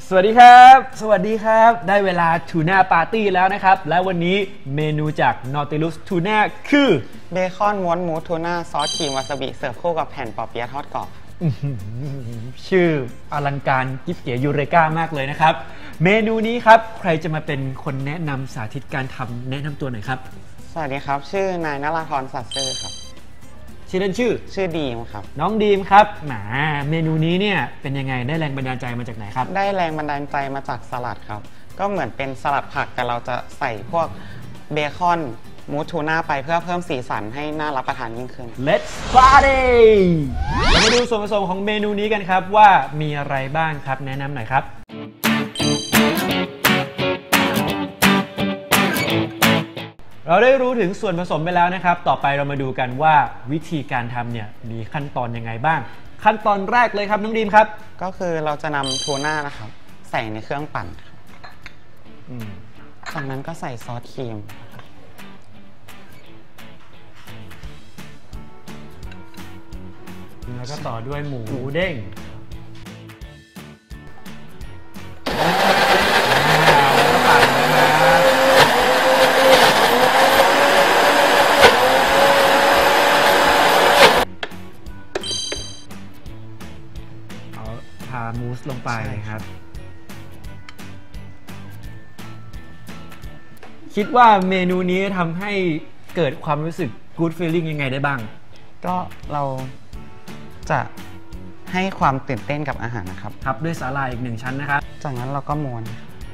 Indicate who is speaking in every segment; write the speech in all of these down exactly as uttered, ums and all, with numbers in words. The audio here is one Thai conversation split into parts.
Speaker 1: สวัสดีครับสวัสดีครับได้เวลาทูน่าปาร์ตี้แล้วนะครับและวันนี้เมนูจาก Nautilus Tuna คือ
Speaker 2: เบคอนม้วนหมูทูน่าซอสครีมวาซาบิเสิร์ฟคู่กับแผ่นปอเปี๊ยะทอดกรอบ
Speaker 1: ชื่ออลังการกิ๊บเก๋ยูเรกามากเลยนะครับเมนูนี้ครับใครจะมาเป็นคนแนะนำสาธิตการทำแนะนำตัวหน่อยครับ
Speaker 2: สวัสดีครับชื่อนายนราธรสัตย์ซื่อครับ
Speaker 1: ชื่อเล่นชื่อ
Speaker 2: ชื่อดีมครับ
Speaker 1: น้องดีมครับแหมเมนูนี้เนี่ยเป็นยังไงได้แรงบันดาลใจมาจากไหนครับ
Speaker 2: ได้แรงบันดาลใจมาจากสลัดครับก็เหมือนเป็นสลัดผักแต่เราจะใส่พวกเบคอนมูสทูน่าไปเพื่อเพิ่มสีสันให้น่ารับประทานยิ่งขึ้น
Speaker 1: Let's party เรามาดูส่วนผสมของเมนูนี้กันครับว่ามีอะไรบ้างครับแนะนำหน่อยครับเราได้รู้ถึงส่วนผสมไปแล้วนะครับต่อไปเรามาดูกันว่าวิธีการทำเนี่ยมีขั้นตอนยังไงบ้างขั้นตอนแรกเลยครับน้องดีมครับ
Speaker 2: ก็คือเราจะนำทูน่านะครับใส่ในเครื่องปั่นจากนั้นก็ใส่ซอสครีม
Speaker 1: แล้วก็ต่อด้วยหมูเด้งทามูสลงไปครับคิดว่าเมนูนี้ทำให้เกิดความรู้สึก good feeling ยังไงได้บ้าง
Speaker 2: ก็เราจะให้ความตื่นเต้นกับอาหารนะครับ
Speaker 1: ครับด้วยสาหร่ายอีกหนึ่งชั้นนะครับ
Speaker 2: จากนั้นเราก็ม้วน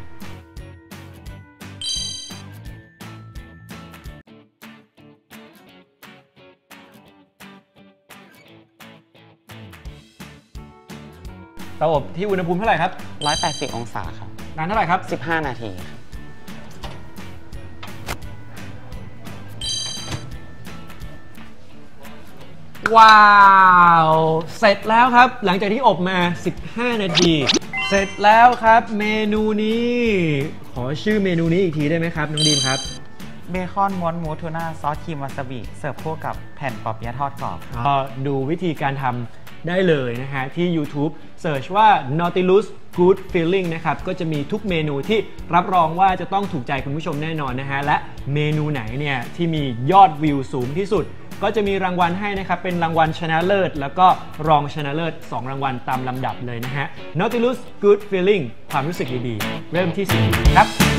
Speaker 1: เตาอบที่อุณหภูมิเท่าไหร่ครับ
Speaker 2: หนึ่งร้อยแปดสิบองศาครับ
Speaker 1: นานเท่าไหร่ครับ
Speaker 2: สิบห้านาทีครับ
Speaker 1: ว้าวเสร็จแล้วครับหลังจากที่อบมาสิบห้านาทีเสร็จแล้วครับเมนูนี้ขอชื่อเมนูนี้อีกทีได้ไหมครับน้องดีมครับ
Speaker 2: เบคอนม้วนหมูทูน่าซอสครีมวาซาบิเสิร์ฟคู่กับแผ่นปอเปี๊ยะทอดกรอบ
Speaker 1: ก็ดูวิธีการทำได้เลยนะฮะที่ YouTube Search ว่า Nautilus Good Feeling นะครับก็จะมีทุกเมนูที่รับรองว่าจะต้องถูกใจคุณผู้ชมแน่นอนนะฮะและเมนูไหนเนี่ยที่มียอดวิวสูงที่สุดก็จะมีรางวัลให้นะครับเป็นรางวัลชนะเลิศแล้วก็รองชนะเลิศสองรางวัลตามลำดับเลยนะฮะ Nautilus Good Feeling ความรู้สึกดีๆเริ่มที่สิ่งดีครับ